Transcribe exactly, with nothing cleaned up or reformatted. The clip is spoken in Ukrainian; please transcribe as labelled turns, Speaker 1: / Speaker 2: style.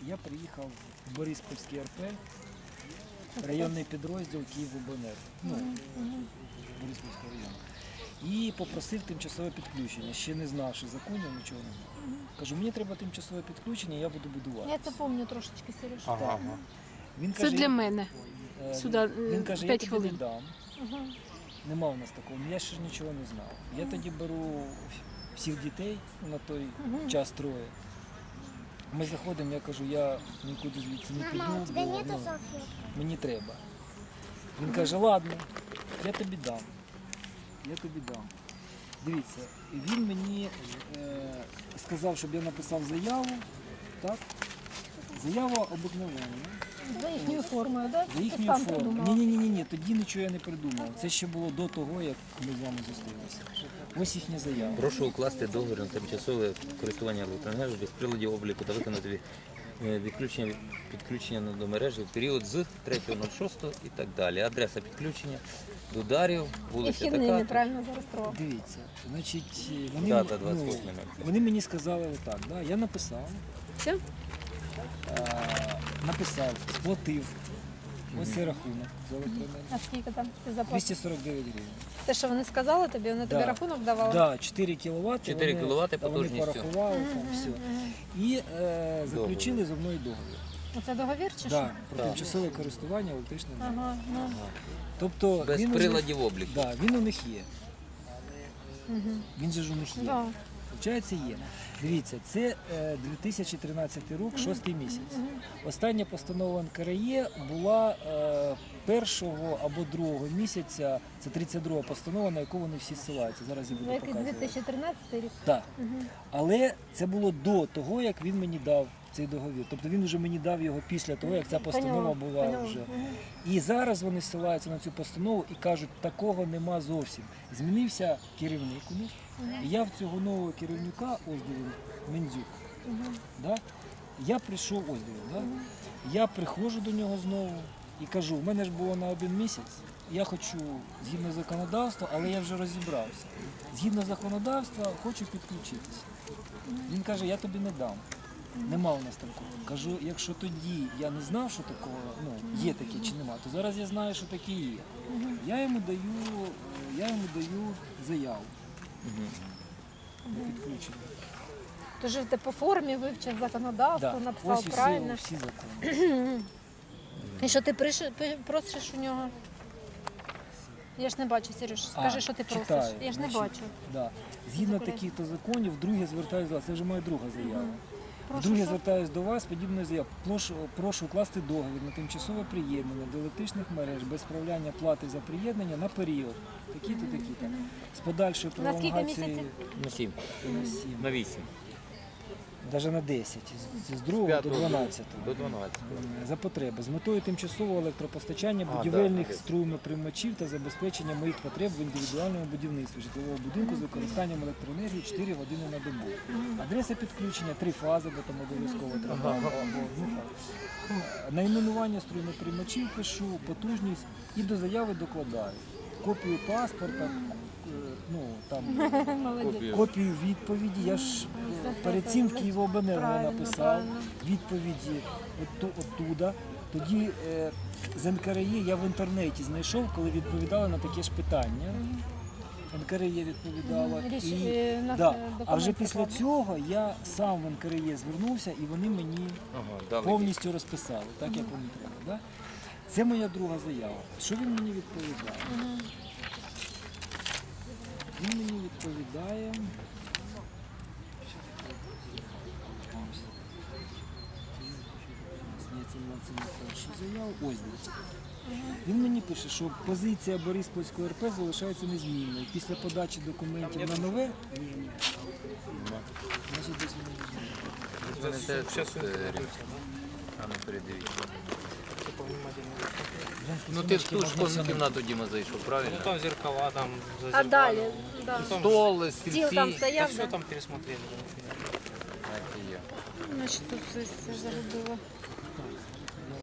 Speaker 1: я приїхав в Бориспільський ар пе, районний підрозділ Київобленерго, ну, Бориспільського району. І попросив тимчасове підключення. Ще не знав, що законів, нічого не знав. Кажу, мені треба тимчасове підключення, я буду будувати.
Speaker 2: Я це пам'ятаю трошечки, Сереж.
Speaker 3: Ага, ага.
Speaker 1: Він
Speaker 4: Це
Speaker 1: каже,
Speaker 4: для мене.
Speaker 1: е,
Speaker 4: Сюди
Speaker 1: Він каже, я
Speaker 4: п'ять
Speaker 1: тобі
Speaker 4: хвилин.
Speaker 1: не дам.
Speaker 2: Угу.
Speaker 1: Нема у нас такого, я ще ж нічого не знав. Я тоді беру всіх дітей, на той час троє. Ми заходимо, я кажу, я нікуди звідси не піду,
Speaker 5: Мама, у тебя
Speaker 1: бо
Speaker 5: нету
Speaker 1: ну,
Speaker 5: салфеток?
Speaker 1: мені треба. Він каже, ладно, я тобі дам. Я тобі дам. Дивіться, він мені е, сказав, щоб я написав заяву, так? Заява обикновенна.
Speaker 2: За їхньою формою, так?
Speaker 1: За їхньою формою. Ні, ні, ні, ні, ні, тоді нічого я не придумав. Це ще було до того, як ми з вами зустрілися. Ось їхня заява.
Speaker 3: Прошу укласти договір на тимчасове користування електроенергією без приладів обліку та виконати е, відключення підключення до мережі в період з третього шостого і так далі. Адреса підключення до Дарів,
Speaker 2: І
Speaker 3: вулиця
Speaker 2: вхідний
Speaker 3: така.
Speaker 2: нейтрально зареєстрував.
Speaker 1: Дивіться, значить, вони,
Speaker 3: Дата
Speaker 1: ну,
Speaker 3: двадцять восьме ноль.
Speaker 1: вони мені сказали отак, да? Я написав,
Speaker 4: Все?
Speaker 1: е, написав, сплатив. Ось цей рахунок за електроенергію.
Speaker 2: А скільки там ти заплатив?
Speaker 1: двісті сорок дев'ять гривень.
Speaker 2: Те, що вони сказали тобі, вони тобі
Speaker 1: Да.
Speaker 2: рахунок давали?
Speaker 1: Да, чотири кіловати.
Speaker 3: чотири
Speaker 1: вони,
Speaker 3: кіловати
Speaker 1: та вони
Speaker 3: потужністю.
Speaker 1: порахували там все. І е, заключили зі мною договір.
Speaker 2: Оце договір чи
Speaker 1: Да,
Speaker 2: що?
Speaker 1: про
Speaker 3: Так.
Speaker 1: тимчасове користування електричною енергією.
Speaker 2: Ага, ну.
Speaker 1: Тобто
Speaker 3: Без
Speaker 1: він, у них,
Speaker 3: приладів обліку.
Speaker 1: да, він у них є. Він же ж у них є.
Speaker 2: Да.
Speaker 1: Получається, є. Дивіться, це е, дві тисячі тринадцятий рік, шостий місяць. Остання постанова ен ка ер є була е, першого або другого місяця, це тридцять друга постанова, на яку вони всі ссилаються. Зараз я буду
Speaker 2: Який
Speaker 1: показувати.
Speaker 2: дві тисячі тринадцятий рік?
Speaker 1: Так. Але це було до того, як він мені дав цей договір. Тобто він вже мені дав його після того, як ця постанова
Speaker 2: Поняла,
Speaker 1: була
Speaker 2: поняла.
Speaker 1: вже.
Speaker 2: Мгм.
Speaker 1: І зараз вони ссилаються на цю постанову і кажуть, такого нема зовсім. Змінився керівник у них. І я в цього нового керівника, ось дивіться, Мендзюк, да? я прийшов, ось дивіться, да? я приходжу до нього знову і кажу, в мене ж було на один місяць, я хочу згідно законодавства, але я вже розібрався. Згідно законодавства хочу підключитися. Він каже, я тобі не дам. Нема у нас такого. Кажу, якщо тоді я не знав, що такого, ну, є таке чи нема, то зараз я знаю, що таке є. Я йому даю, я йому даю заяву на підключення.
Speaker 2: Тож ти по формі вивчив законодавство,
Speaker 1: Да.
Speaker 2: написав
Speaker 1: Ось і
Speaker 2: правильно.
Speaker 1: всі, всі закони.
Speaker 2: І що ти приш- пи- просиш у нього? Я ж не бачу, Сереж, скажи,
Speaker 1: А,
Speaker 2: що ти
Speaker 1: читаю,
Speaker 2: просиш. Я ж не
Speaker 1: значить,
Speaker 2: бачу.
Speaker 1: Да. Згідно
Speaker 2: Закурити.
Speaker 1: таких-то законів, вдруге звертаюся до вас. Це вже моя друга заява.
Speaker 2: Прошу,
Speaker 1: Вдруге
Speaker 2: що?
Speaker 1: звертаюся до вас, подібною заявою. Прошу, прошу укласти договір на тимчасове приєднання до електричних мереж без справляння плати за приєднання на період. Такі-то, такі-то. З подальшою
Speaker 2: На скільки
Speaker 1: пролонгацією
Speaker 2: місяців?
Speaker 3: На сім,
Speaker 1: на сім,
Speaker 3: на вісім,
Speaker 1: навіть на десять, з- з другого до
Speaker 3: п'ятого
Speaker 1: дванадцятого.
Speaker 3: до дванадцятого.
Speaker 1: За потреби з метою тимчасового електропостачання
Speaker 3: А,
Speaker 1: будівельних
Speaker 3: да,
Speaker 1: струмоприймачів та забезпечення моїх потреб в індивідуальному будівництві житлового будинку з використанням електроенергії чотири години на добу. Адреса підключення три фази, бо там обов'язково треба. або одну фазу. Найменування струмоприймачів пишу, потужність і до заяви докладаю. Копію паспорта, е, ну там
Speaker 2: Молодець.
Speaker 1: копію відповіді. Я ж е, перед цим в Київобленерго
Speaker 2: Правильно,
Speaker 1: написав
Speaker 2: правильно.
Speaker 1: відповіді от, оттуда. Тоді е, з ен ка ер є я в інтернеті знайшов, коли відповідали на таке ж питання. ен ка ер є відповідала.
Speaker 2: Річ-
Speaker 1: І,
Speaker 2: е, на-
Speaker 1: да.
Speaker 2: е,
Speaker 1: А вже
Speaker 2: документ
Speaker 1: після
Speaker 2: прикладений.
Speaker 1: цього я сам в ен ка ер є звернувся і вони мені
Speaker 3: Ага, дали.
Speaker 1: повністю розписали, так як вони треба. Да? Це моя друга заява. Що він мені відповідає? Він мені відповідає. Ні, це не- це не перша заява. Ось дивіться. Він мені пише, що позиція Бориспільського ар пе залишається незмінною. Після подачі документів на нове. Ні, ні. Значить, десь воно є.
Speaker 3: Ви не те, що, е, Римська. А ну передивіться. Ну ти в ту ж кожну кімнату, Діма, зайшов, правильно?
Speaker 6: Ну там зеркала, там за
Speaker 2: А
Speaker 6: зеркалами.
Speaker 2: далі? Да.
Speaker 6: Ну, там
Speaker 3: Стол,
Speaker 2: Стіл
Speaker 3: стільці.
Speaker 2: там
Speaker 6: Да
Speaker 2: стояв,
Speaker 6: все
Speaker 2: да?
Speaker 6: там пересмотрели. да, ничего нет.
Speaker 3: Так і є.
Speaker 2: Значить, тут все, все загубила.